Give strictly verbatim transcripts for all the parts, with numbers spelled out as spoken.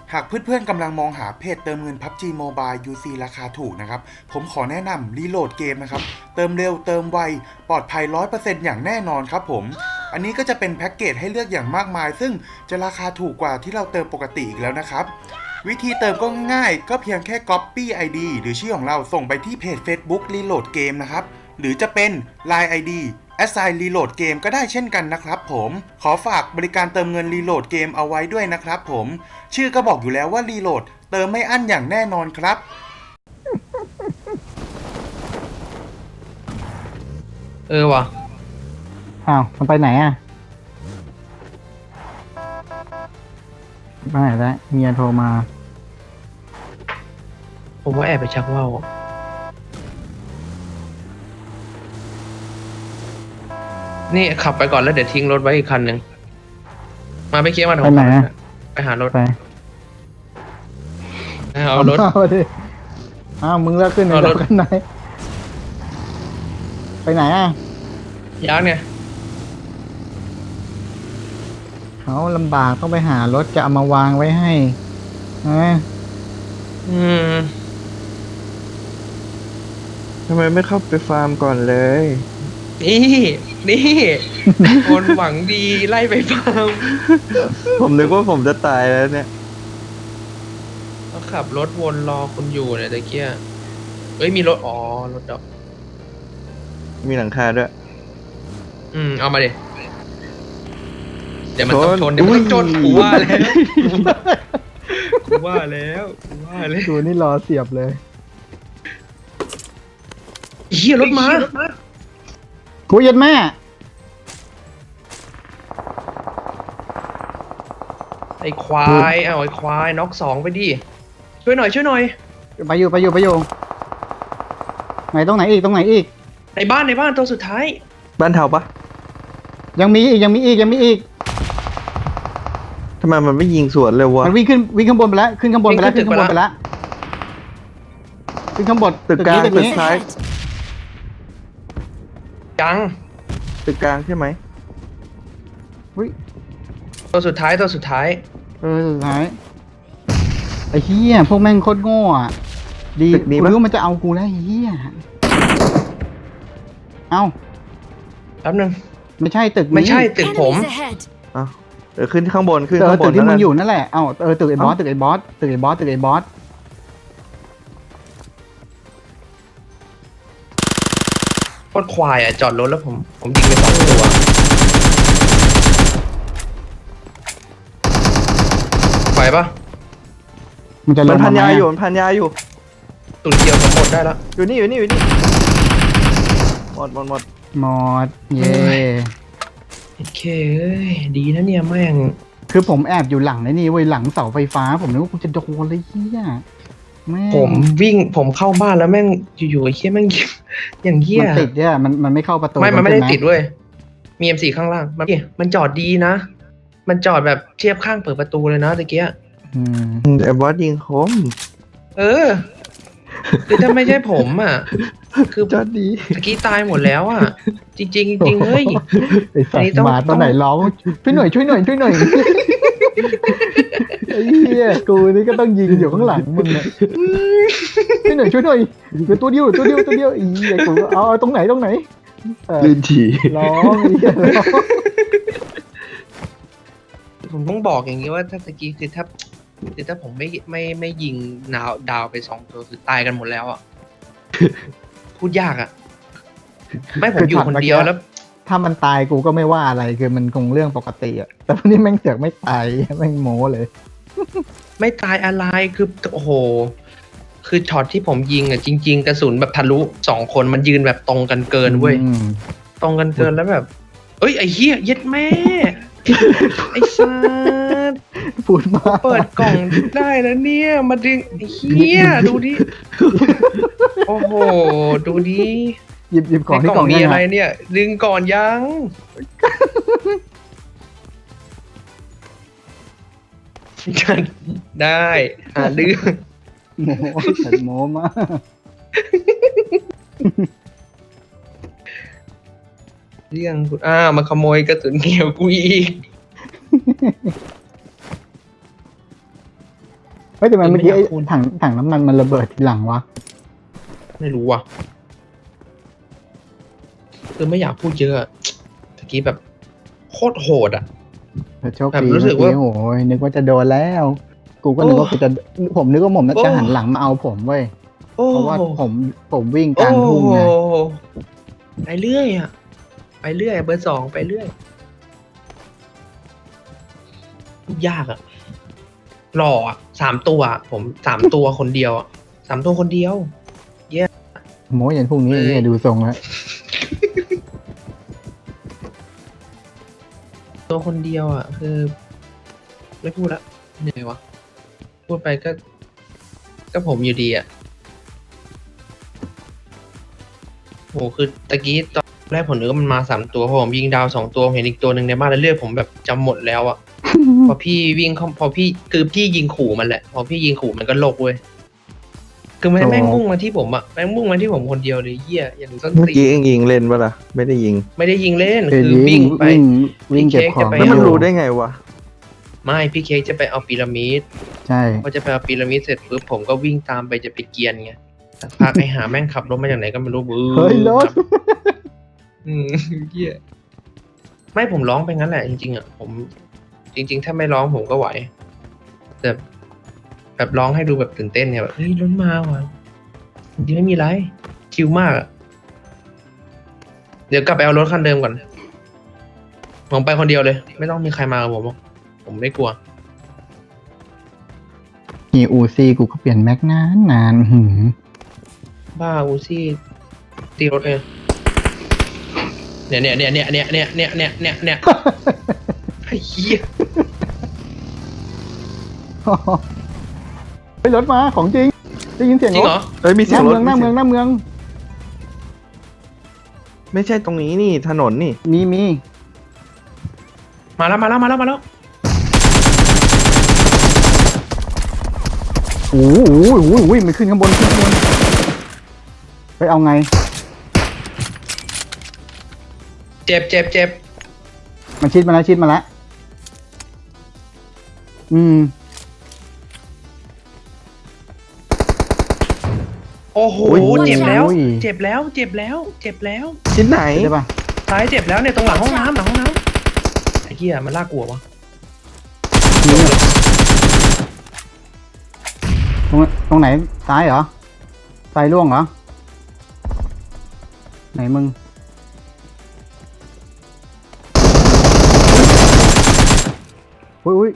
หากเพื่อนๆกำลังมองหาเพจเติมเงิน พับจี Mobile ยู ซี ราคาถูกนะครับผมขอแนะนำรีโหลดเกมนะครับเติมเร็วเติมไวปลอดภัย ร้อยเปอร์เซ็นต์ อย่างแน่นอนครับผมอันนี้ก็จะเป็นแพ็กเกจให้เลือกอย่างมากมายซึ่งจะราคาถูกกว่าที่เราเติมปกติอีกแล้วนะครับวิธีเติมก็ง่ายๆก็เพียงแค่ Copy ไอ ดี หรือชื่อของเราส่งไปที่เพจ Facebook Reload Game นะครับหรือจะเป็น ไลน์ ไอ ดี Assign Reload Game ก็ได้เช่นกันนะครับผมขอฝากบริการเติมเงิน Reload Game เอาไว้ด้วยนะครับผมชื่อก็บอกอยู่แล้วว่า Reload เติมไม่อั้นอย่างแน่นอนครับเออว่ะอ้าวมันไปไหนอ่ะไปไหนแล้วเมียโทรมาผมว่าแอบไปชักว่าวนี่ขับไปก่อนแล้วเดี๋ยวทิ้งรถไว้อีกคันหนึ่งมาไปเคลียร์มาไปไหนอะไปหารถไปเอารถเอาดิอ้าวมึงเลิกขึ้นเอารถกันไหนไปไหนอ่ะยักษ์เนี่ยเขาลำบากต้องไปหารถจะเอามาวางไว้ให้นะอืมทำไมไม่เข้าไปฟาร์มก่อนเลยนี่นี่คนหวังดีไล่ไปฟาร์มผมนึกว่าผมจะตายแล้วเนี่ยก็ขับรถวนรอคุณอยู่เนี่ยตะเกียเอ้ยมีรถอ๋อรถดอกมีหลังคาด้วยอืมเอามาดิเดี๋ยวมันต้องชนเดี๋ยวมันต้องชนอุ้ยกูว่าแล้วกูว่าแล้วกูว่าแล้วดูนี่รอเสียบเลยเฮียรถมากูยัดแม่ไอ้ควายเอาไอ้ควายน็อกสองไปดิช่วยหน่อยช่วยหน่อยไปอยู่ไปอยู่ไปอยู่ไหนตรงไหนอีกตรงไหนอีกในบ้านในบ้านตัวสุดท้ายบ้านเทาปะยังมีอีกยังมีอีกยังมีอีกทำไมมันไม่ยิงสวนเลยวะมันวิ่งขึ้นวิ่งข้างบนไปแล้วขึ้นข้างบนไปแล้วขึ้นข้างบนไปแล้วขึ้นข้างบนตึกกลางนี้ตึนี้กซ้ายจังตึกกลางใช่ไหมอุ๊ยตัวสุดท้ายตัวสุดท้ายเออสุดท้ายไอ้เหี้ยพวกแม่งโคตรโง่อะดีตึกนี้กูปะรู้ว่ามันจะเอากูแล้วไอ้เหี้ยเอ้าแป๊บนึงไม่ใช่ตึกนี้ไม่ใช่ตึกผม Enemies ahead. อ้าวเออขึ้นข้างบนขึ้นเออข้างบตึนกที่มึงแล้วกันอยู่นั่นแหละเอ้าเออตึกไอ้บอสตึกไอ้บอสตึกไอ้บอสตึกไอ้บอสโคตรควายอ่ะจอดรถแล้วผมผมยิงไปสองตัวไหวปะมันจะลมังนพันยาไหมอยู่มันพันยาอยู่ตุนเกียวผมหมดได้แล้วอยู่นี่อยู่นี่อยู่นี่หมดหมดหมดหมดเย่โอเคเอ้ยดีนะเนี่ยแม่งคือผมแอบอยู่หลังไอ้นี่เว้ยหลังเสาไฟฟ้า ผมนึกว่ากูจะโดนเลยเหี้ยแม่งผมวิ่งผมเข้าบ้านแล้วแม่งอยู่ๆไอ้เหี้ยแม่งยิงอย่างเหี้ยมันติดเนี่ยมันมันไม่เข้าประตูไม่มันไม่ได้ใช่หติดเว้ยมี เอ็ม โฟร์ ข้างล่างมันมันจอดดีนะ มันจอดแบบเทียบข้างเปิดประตูเลยนะตะเกียอืมไอ้บอสยิงคมเออคือถ้าไม่ใช่ผมอ่ะ คือจอดดีตะกี้ตายหมดแล้วอ่ะ จริงๆจริงๆเฮ้ยไอ้สัอันตนี้ว์ต้องหมาตัวไหนร้องช่วยหน่อยช่วยหน่อยช่วยหน่อยไอ้เหี้ยกูนี่ก็ต้องยิงอยู่ข้างหลังมึงเนี่ยช่วยหน่อยช่วยหน่อยเหลือตัวเดียวเหลือตัวเดียวตัวเดียวอีไอ้กูเอาเอาตรงไหนตรงไหนเออลื่นฉี่ร้องไอ้เหี้ยร้องผมต้องบอกอย่างนี้ว่าถ้าตะกี้คือถ้าคือถ้าผมไม่ไม่ไม่ยิงดาวดาวไปสองตัวคือตายกันหมดแล้วอ่ะ พูดยากอ่ะ ไม่ผมอยู่คนเดียวแล้วถ้ามันตายกูก็ไม่ว่าอะไรคือมันคงเรื่องปกติอะแต่วันนี้แม่งเสือกไม่ตายแม่งโม้เลยไม่ตายอะไรคือโอ้โห คือช็อตที่ผมยิงอ่ะจริง ๆ กระสุนแบบทะลุสองคนมันยืนแบบตรงกันเกินเว้ยอืมตรงกันเกินแล้วแบบ เอ้ยไอ้เหี้ยเย็ดแม่ ไอ้สัสพูดมากเปิดกล่องได้แล้วเนี่ย มาดึงไอ้เหี้ยดูดิ โอ้โห ดูดิหยิบหยิบของในที่กกล่ล่ออง งมียังอะไรไงเนี่ย ดึงก่อนยัง ได้หาเรื่องโม้แต่โม้มากเรื่องกูอ้าวมาขโมยกระสุนเขียวกูอีกเฮ้ยแต่มันเมื่อกี้ไอ้ไม่อยากพูดถังถังน้ำมันมันระเบิดทีหลังวะไม่รู้ว่ะคือไม่อยากพูดเยอะอะตะกี้แบบโคตรโหดอ่ะแต่โชคแบบดีรู้สึเมื่กอว่ากี้โอ้ยนึกว่าจะโดนแล้ว กูก็นึกว่าโอ้กูจะผมนึกว่าผมน่าโอ้จะหันหลังมาเอาผมเว้ยโอ้เพราะว่าผมผมวิ่งกลางโอ้ทุ่งไงไปเรื่อยอ่ะ ไปเรื่อยเบอร์สองไปเรื่อยยากอ่ะหล่ออ่ะสามตัวอะผมสามตัวคนเดียวอ่ะสามตัวคนเดียวโม้ยันพรุ่งนี้เฮ้ยเนี่ยดูทรงแล้วตัวคนเดียวอ่ะ คือ ไม่พูดละเหนื่อยวะพูดไปก็ ก็ผมอยู่ดีอ่ะโหคือตะกี้ตอนแรกผมนึกว่ามันมาสามตัวพอผมยิงดาวสองตัวเห็นอีกตัวหนึ่งในบ้านแล้วเลือดผมแบบจำหมดแล้วอ่ะ พอพี่วิ่งเข้าพอพี่คือพี่ยิงขู่มันแหละ พอพี่ยิงขู่มันก็โลกเว้ยคือมันโอ้แม่งมุ่งมาที่ผมอ่ะแม่งมุ่งมาที่ผมคนเดียวเลยเหี้ยอย่างส้นเมื่อตีกี้นเองยิงเล่นปะล่ะ ไม่ได้ยิงไม่ได้ยิงเล่นคือคือวิ่วิ่งงไปวิ่งวิ่งพี่เก็บเค้กของจะไปแล้วมันอยู่รู้ได้ไงวะไม่พี่เค้กจะไปเอาพีระมิดใช่พอจะไปเอาพีระมิดเสร็จปุ๊บผมก็วิ่งตามไปจะไปเกียนไงสักพักไอ้หาแม่งขับรถมาจากไหนก็ไม่รู้บื้อเฮ้ยรถอืมเหี้ยไม่ผมร้องไปงั้นแหละจริงๆอ่ะผม จริง ๆ ถ้าไม่ร้องผมก็ไหวแต่แบบร้องให้ดูแบบตื่นเต้นเนี่ยแบบเฮ้ยรถมาว่ะจริงๆไม่มีไรชิลมากอะเดี๋ยวกลับไปเอารถคันเดิมก่อนผมไปคนเดียวเลย ไม่ต้องมีใครมากับผมหรอกผมไม่กลัวมีอูซี่กูก็เปลี่ยนแม็กนานนานหืมบ้าอูซี่ตีรถเลยเนี่ยเนี่ยเนี่ยเนี่ยเนี่ยเนี่ยเนี่ยเนี่ยเนี่ยเนี่ยไอ้เหี้ยไปรถมาของจริงได้ยินเสียงจริรงเหรถอเอ้ยมีหเสียน้างรเมืถองหน้าเมืองหน้าเมืองไม่ใช่ตรงนี้นี่ถนนนี่มีมีมาแล้วมาแล้วมาแล้วมาแล้วโอ้โหโอ้โหโอ้โหมันขึ้นข้างบนขึ้นข้างบนไปเอาไงเจ็บเจ็บเจ็บมันชิดมาแล้วชิดมาแล้วอืมโอ้โหโอ้ยเจ็บแล้วโอ้ยเจ็บแล้วเจ็บแล้ว เจ็บแล้วที่ไหนได้ปะซ้ายเจ็บแล้วเนี่ยตรงหลังห้องน้ำหลังห้องน้ำไอ้เหี้ยมันลากกลัววะนี่ตรงตรงไหนซ้ายเหรอซ้ายล่วงเหรอไหนมึงอุ้ยอุ้ย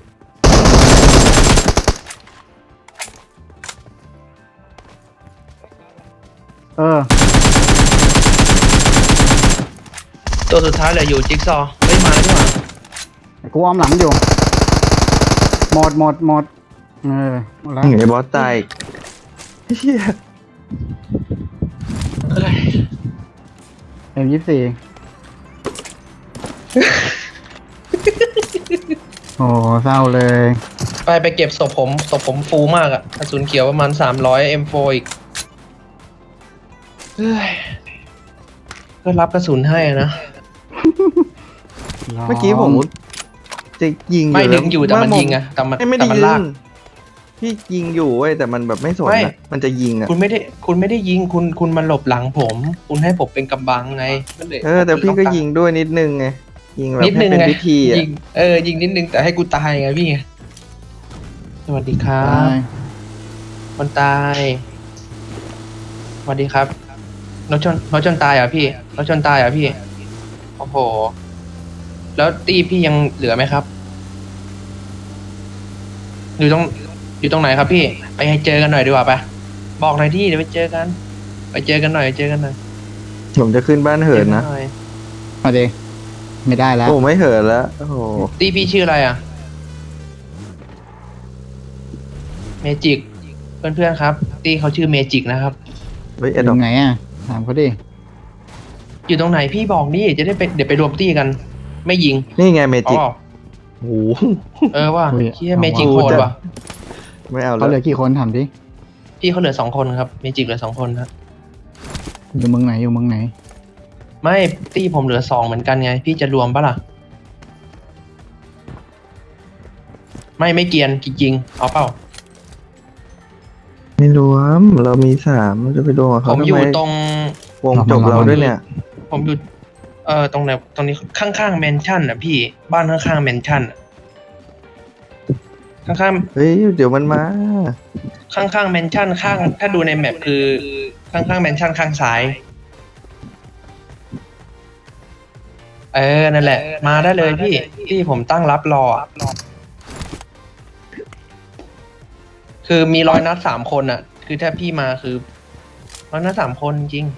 เออตัวสุดท้ายเหลืออยู่จิ๊กซอว์เฮ้ยมาแล้วดีกว่ากูอ้อมหลังอยู่ หมดหมดหมดเออหมดแล้วไอ้บอสตายเฮียเอ้ยเอ็มยี่สี่ โอ้เศร้าเลยไปไปเก็บศพผมศพผมฟูมากอะกระสุนเขียวประมาณสามร้อยเอ็มโฟอีกเฮ้ยก็รับกระสุนให้อะนะเมื่อกี้ผมจะยิงไม่แล้ดึวงอยู่แต่มันยิงอะแต่มันไม่ไม่แต่ได้มันยิลากงพี่ยิงอยู่เว้ยแต่มันแบบไม่สนไม่อะมันจะยิงอะคุณไม่ได้ คุณไม่ได้ยิงคุณคุณมาหลบหลังผม คุณให้ผมเป็นกำบังไงก็เลยเออแต่พี่ก็ยิงด้วยนิดนึงไงยิงแบบนิดนึให้งเป็นไงพิธีอะยิงเออยิงนิดนึงแต่ให้กูตายไงพี่สวัสดีครับ คนตายสวัสดีครับรถชนรถชนตายเหรอ่ะพี่รถชนตายเหรอ่ะพี่โอ้โหแล้วตีพี่ยังเหลือไหมครับ อยู่ตรงอยู่ตรงไหนครับพี่ ไปให้เจอกันหน่อยดีกว่าปะบอกหน่อยที่เดี๋ยวไปเจอกัน ไปเจอกันหน่อยไปเจอกันหน่อยผมจะขึ้นบ้านเหินนะจอกัหอยมาดิไม่ได้แล้วโอ้ไม่เหินแล้วโอ้โหตีพี่ชื่ออะไรอ่ะเมจิกเพื่อนๆครับ ตีเขาชื่อเมจิกนะครับเฮ้ยอไอ้ดอกยู่ไหนอ่ะ ถามเขาดิอยู่ตรงไหนพี่บอกนี่จะได้ไปเดี๋ยวไปรวมตีกัน ไม่ยิงนี่ไงเมจิกอ๋อโอ้โหเออว่ะอุ้ยเฮียเมจิกโหดว่ะไม่เอาเขาแล้วเหลือกี่คนถามดิพี่เขาเหลือสองคนครับเมจิกเหลือสองคนครับอยู่เมืองไหนอยู่เมืองไหนไม่ตีผมเหลือสองเหมือนกันไง พี่จะรวมปะล่ะ ไม่ไม่เกียนจริงๆเอาเปล่าไม่รวม เรามีสามเราจะไปรวมกับผเขามทำอยู่ไมตรงวงจบเราด้วยเนี่ยผมอยู่ เอ่อตรงไหนตรงนี้ข้างๆแมนชั่นอ่ะพี่บ้านข้างๆแมนชั่นอะข้างๆเฮ้ย เดี๋ยวมันมาข้างๆแมนชั่นข้างถ้าดูในแมปคือข้างๆแมนชั่นข้างซ้าย เออนั่นแหละ มาได้เลยพี่พี่ผมตั้งรับรออะคือมีร้อยนัดสามคนอ่ะ คือถ้าพี่มาคือร้อยนัดสามคนจริง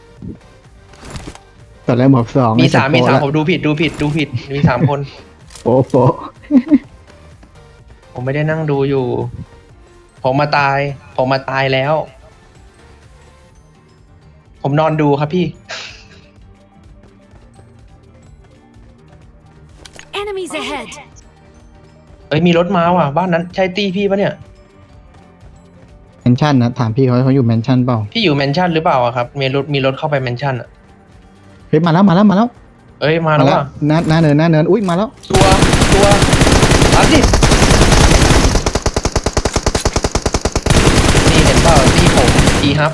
ตอนแรกบอกสองมีสามมีสามไผมดูผิดดูผิดดูผิดมีสามคนโป๊ะโป๊ะผมไม่ได้นั่งดูอยู่ ผมมาตาย ผมมาตายแล้ว ผมนอนดูครับพี่ Enemies ahead! เอ้ยมีรถมาว่ะบ้านนั้นใช่ตี้พี่ปะเนี่ยแมนชั่นนะถามพี่เขาเขาอยู่แมนชั่นเปล่าพี่อยู่แมนชั่นหรือเปล่าอะครับมีรถมีรถเข้าไปแมนชั่นอ่ะเฮ้ยมาแล้วมาแล้วมาแล้วเอ้ยมาแล้วว่ะหน้าหน้าเนินหน้าเนินอุ้ยมาแล้วตัวตัวรับดินี่เห็นเปล่าที่ผมพีฮับ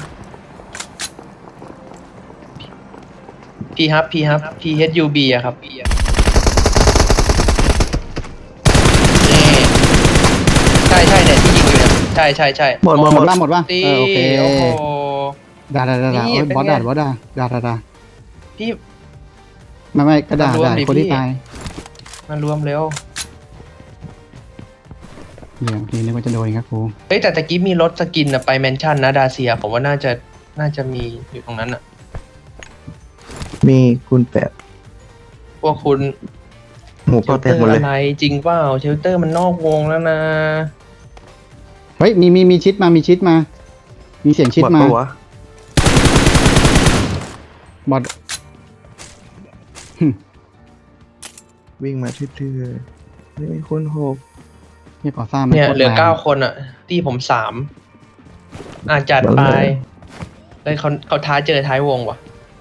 พีฮับพีฮับพีเฮดยูบีอะครับนี่ใช่ใช่เนี่ยที่ยิงอยู่เนี่ยใช่ใช่ใช่หมดหมดหมดว่าหมดว่าตีเออโอเคโอ้โหด่าด่าด่าด่านี่โอ้ยเป็นบอสไงด่าบอสด่าด่าด่าด่าพี่ไม่ไม่ก็ด่ารวมด่าดิคนที่พี่ตายมารวมเร็วเดี๋ยวทีนึกว่าจะโดนครับครูเฮ้ยแต่ตะกี้มีรถสกินอะไปแมนชั่นนะดาเซียผมว่าน่าจะน่าจะมีอยู่ตรงนั้นอะมีคุณแปดพวกคุณหมูเชก็ลแตเตอกหมดร์เลอะยไรจริงเปล่าเชลเตอร์มันนอกวงแล้วนะเฮ้ยมีมีมีชิดมามีชิดมา มีเสียงชิดหมดมาปะวะบอสวิ่งมาทื่อๆไม่มีคนหกนี่ก่อสร้างไม่เนี่ยโคตรเหลือแรงเก้าคนอ่ะ ที่ผมสามอาจัดไปเฮ้ยเขาเขาท้าเจอท้ายวงว่ะ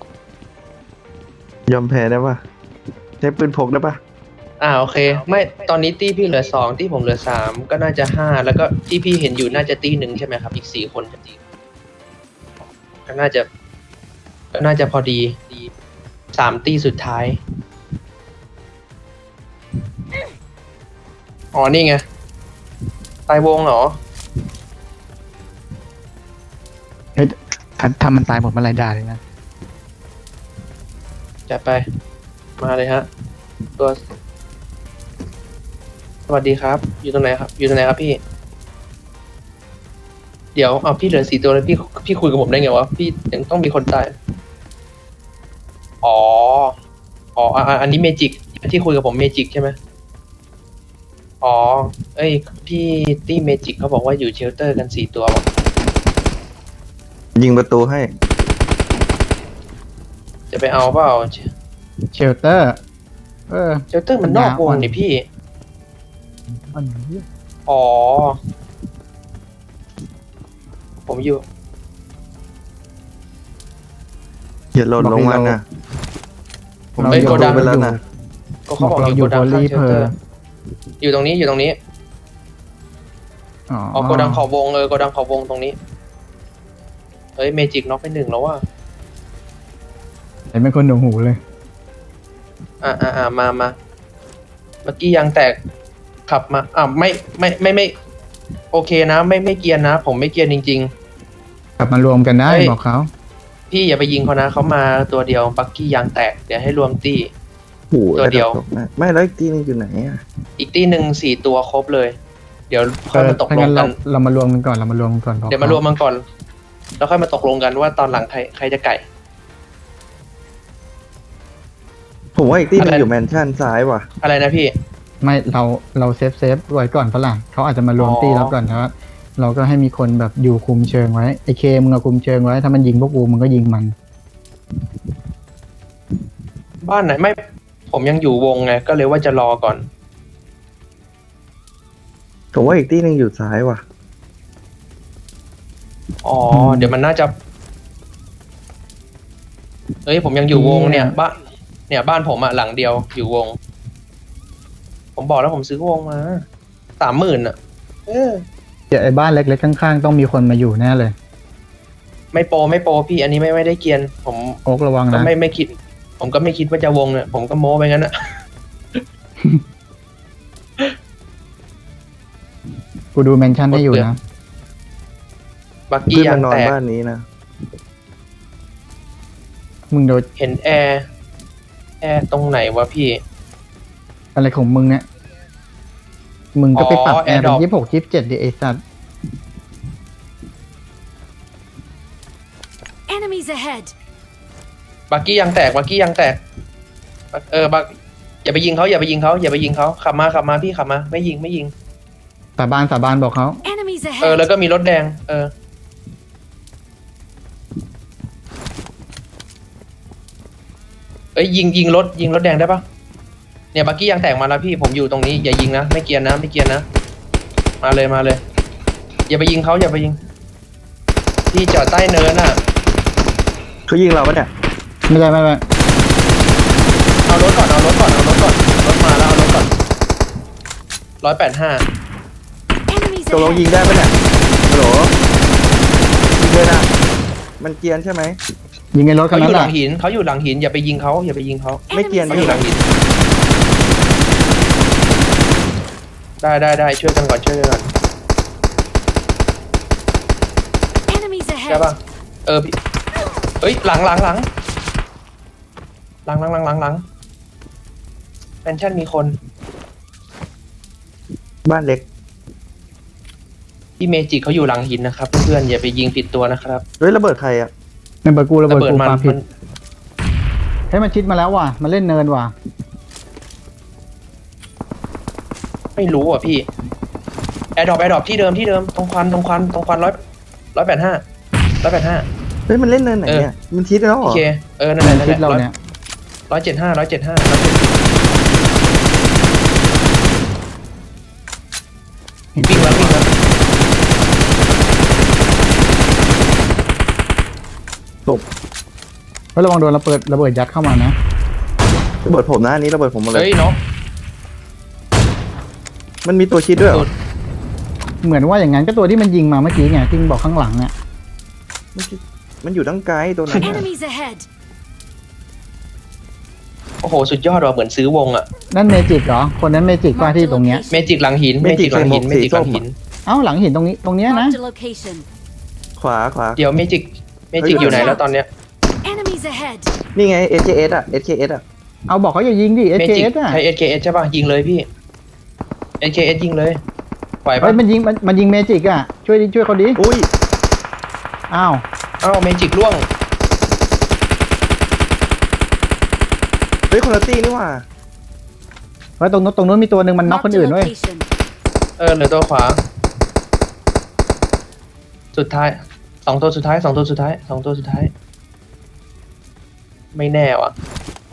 ยอมแพ้ได้ปะใช้ปืนพกได้ปะอ่าโอเค ไม่ตอนนี้ตี้พี่เหลือสองที่ผมเหลือสามก็น่าจะห้าแล้วก็ที่พี่เห็นอยู่น่าจะตี้หนึ่งใช่ไหมครับ อีกสี่คนจริงก็น่าจะก็น่าจะพอดีสามตี้สุดท้ายอ๋อนี่ไงตายวงเหรอเฮ้ยถ้าถ้ามันตายหมดเมื่อไหรด่าเลยนะจัดไป มาเลยฮะ ตัว สวัสดีครับ อยู่ตรงไหนครับ อยู่ตรงไหนครับพี่ เดี๋ยวเอาพี่เหลือสี่ตัวแล้วพี่พี่คุยกับผมได้ไงวะ พี่ยังต้องมีคนตาย อ๋อ อ๋ออ่ะอ่ะอันนี้เมจิกที่คุยกับผมเมจิกใช่ไหมอ๋อ เอ้ย พี่ตี้เมจิกเขาบอกว่าอยู่เชลเตอร์กันสี่ตัวว่ะยิงประตูให้จะไปเอาเปล่าเชลเตอร์ เออเชลเตอร์มันนอกวงนี่พี่อันนี้อ๋อ ผมอยู่อย่าหล่นลงมานะผมเฮ้ยยิงโกประดัตูงไปแล้วนะก็เขาบอกอยู่โกดังข้างเชลเตอร์ อยู่ตรงนี้อยู่ตรงนี้อ๋ออ๋อโกดังขอบวงเออโกดังขอบวงตรงนี้ เฮ้ยเมจิกน็อกไปหนึ่งแล้วว่ะเห็นเป็นคนหนูหูเลยอ่าอ่าอ่ามามาเมื่อกี้ยางแตกขับมาอ่าไม่ไม่ไม่ไม่ โอเคนะ ไม่ไม่เกียร์นะ ผมไม่เกียร์จริงกลับมารวมกันได้เฮ้ยบอกเขาๆ พี่อย่าไปยิงเขานะเขามาตัวเดียวบักกี้ยางแตกเดี๋ยวให้รวมตี้โอ้โหตัวเดียวตกนะไม่แล้วอีกที่นึงอยู่ไหนอ่ะอีกตี้หนึ่งสี่ตัวครบเลย เดี๋ยวค่เออยอมาตกถ้าลงั้งนกัเรานเรามารวมกันก่อนเรามารวมกันก่อนบอกเดี๋ยวมารวมมันก่อน แล้วค่อยมาตกลงกันว่าตอนหลังใครใครจะไก่ผมว่าอีกที่นึอะงไรอยู่แมนชั่นซ้ายว่ะอะไรนะพี่ไม่เราเราเซฟเซฟไว้ก่อนฝรั่งเขาอาจจะมารวมอ๋อตีเราก่อนนะเราก็ให้มีคนแบบอยู่คุมเชิงไว้ไอเคมึงเอาคุมเชิงไว้ถ้ามันยิงพวกกูมึงก็ยิงมันบ้านไหนไม่ ผมยังอยู่วงไงก็เลยว่าจะรอก่อนผมว่าอีกที่นึงอยู่ซ้ายว่ะอ๋อมเดี๋ยวมันน่าจะ เอ้ยผมยังอยู่วงเนี่ยบ้านเนี่ยบ้านผมอะหลังเดียวอยู่วง ผมบอกแล้วผมซื้อวงมาสามหมื่นอะเออเดี๋ยวไอ้บ้านเล็กๆข้างๆต้องมีคนมาอยู่แน่เลยไม่โปรไม่โปรพี่ อันนี้ไม่ไม่ได้เกรียน ผมโอ๊กระวังก็นะไม่ไม่คิด ผมก็ไม่คิดว่าจะวงเนี่ยผมก็โม้ไปงั้นอะกูดูเมนชั่นให้อยู่นะบักกี้เพื่อนยามังนนอนแตกบ้านนี้นะมึงโดนเห็นแอร์ แอร์ตรงไหนวะพี่อะไรของมึงเนี่ย มึงก็ไปปรับอ๋อแอร์เป็น AirDrop ยี่สิบหกยี่สิบเจ็ดดิไอสัตว์ Enemies ahead! บักกี้ยางแตก บักกี้ยางแตก เออ บัก อย่าไปยิงเขาอย่าไปยิงเขาอย่าไปยิงเขาขับมาขับมาพี่ขับมา ไม่ยิงไม่ยิงสาบานสาบานบอกเขา Enemies เออ แล้ว ahead! ก็มีรถแดง เออ เอ้ยยิงยิงรถยิงรถแดงได้ปะเนี่ยบักกี้ยางแตกมาแล้วพี่ผมอยู่ตรงนี้อย่ายิงนะไม่เกรียนนะไม่เกรียนนะมาเลยมาเลย อย่าไปยิงเขาอย่าไปยิงพี่จอดใต้เนินอ่ะเขายิงเราปะเนี่ยไม่ใช่ไม่ไม่เอารถก่อนเอารถก่อนเอารถก่อนรถมาแล้วเอารถก่อนร้อยแปดห้า Enemies ตกลง ahead! ยิงได้ปะเนี่ยฮัลโหลยิงเลยนะมันเกรียนใช่ไหมยิงไอ้รถคัเขานอนั้นยู่แหหลัละงหินเขาอยู่หลังหินอย่าไปยิงเขาอย่าไปยิงเขาไม่เกรียนเขาอใช่ยู่ไหหมลังหินได้ได้ได้ช่วยกันก่อนช่วยกันก่อน Enemies ใช่ป่ะ ahead! เออพี่เอ้ยหลังหลังหลังหลังหลังหลังหลังหลังแมนชั่นมีคนบ้านเล็กพี่เมจิเขาอยู่หลังหินนะครับเพื่อนๆอย่าไปยิงผิดตัวนะครับเฮ้ยระเบิดใครอ่ะระเบิดกูระเบิดกูมันปาผิมัดนให้มันชิดมาแล้วว่ะมันเล่นเนินว่ะไม่รู้อ่ะพี่แอร์ดรอปแอร์ดรอปที่เดิมที่เดิมตรงควันตรงควันตรงควันร้อยร้อยแปดห้าร้อยแปดห้าเฮ้ยมันเล่นเนินไหนเนี่ยมันทิศแล้วเหรโออเคเออนั่นแหละนั่นชิดแหละเราร้อยเนี่ยร้อยเจ็ดห้าร้อยเจ็ดห้า วิ่งแล้ววิ่งแล้วเฮ้ยระวังโดนระเบิดระเบิดยัดเข้ามานะระเบิดผมนะอันนี้ระเบิดผมหมดเลยเฮ้ยเนาะมันมีตัวชิดด้วยเหรอเหมือนว่าอย่างนั้นก็ตัวที่มันยิงมาเมื่อกี้ไงที่มึงบอกข้างหลังเนี่ยมันชิดมันอยู่ตั้งไกลตัวนั้นน่ะ Enemies ahead! โอ้โหสุดยอดว่ะเหมือนซื้อวงอ่ะนั่นเมจิกเหรอคนนั้นเมจิกว่าที่ตรงเนี้ยเมจิกหลังหินเมจิกหลังหินเมจิกหลังหินเอ้าหลังหินตรงนี้ตรงเนี้ยนะ Marked a location. ขวาขวาเดี๋ยวเมจิกเมจิกอยู่ไหนแล้วตอนเนี้ย Enemies ahead! นี่ไง เอส เค เอส อ่ะ เอส เค เอส อ่ะเอาบอกเขาอย่ายิงดิเมจิกเอส เค เอส อ่ะใช้ เอส เค เอส ใช่ป่ะยิงเลยพี่ เอส เค เอส ยิงเลยไหวเฮ้ป่ะยมันยิงมันมันยิงเมจิกอ่ะช่วยดิช่วยเขาดิอุ้ยอ้าวอ้าวเมจิกล่วงเฮ้ยคนละตี้นี่หว่าเฮ้ยตรงนู้นตรงนู้นมีตัวหนึ่งมันน็อกคน Marked a อื่นด้วย location. เออเหลือตัวขวา สุดท้ายสองตัวสุดท้ายสองตัวสุดท้ายสองตัวสุดท้าย ไม่แน่ว่ะ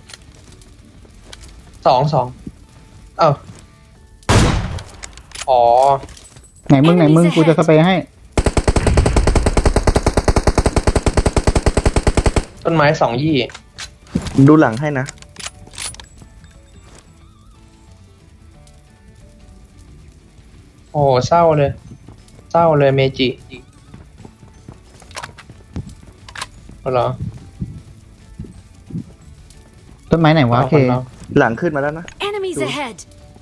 สองสองเอ้าอ๋อไหนมึงไหนมึง Enemies กูจะสเปรย์ให้ต้นไม้สองยี่ดูหลังให้นะโอ้โหเศร้าเลย เศร้าเลยเมจิเอาเหรอต้นไม้ไหนวะาโอเคคนเราหลังขึ้นมาแล้วนะ Enemies ahead!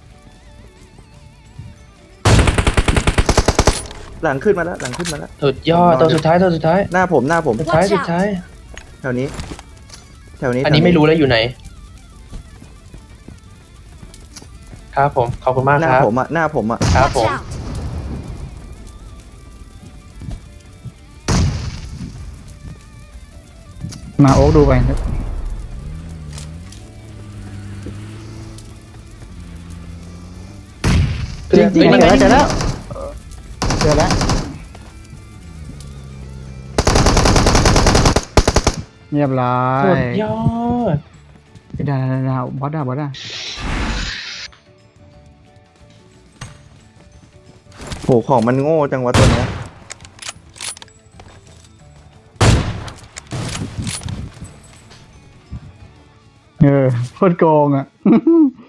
หลังขึ้นมาแล้ว หลังขึ้นมาแล้วสุดยอดตัวสุดท้ายตัวสุดท้ายหน้าผมหน้าผมสุดท้าย Watch สุดท้ายแถวนี้ แถวนี้อันนี้ไม่รู้แล้วอยู่ไหน ครับผม ขอบคุณมากหน้าครับผมอ่ะ หน้าผมอ่ะครับ Watch ผม out! มาโอ๊กดูไป จริงจริงเฮ้ยเจอแล้วนี่ไงเจอแล้วเจอแล้วเรียบร้อยสุดยอดดาดาดาบอสดาบอสดาโห ของมันโง่จังวะตัวเนี้ยเออโคตรโกงอ่ะ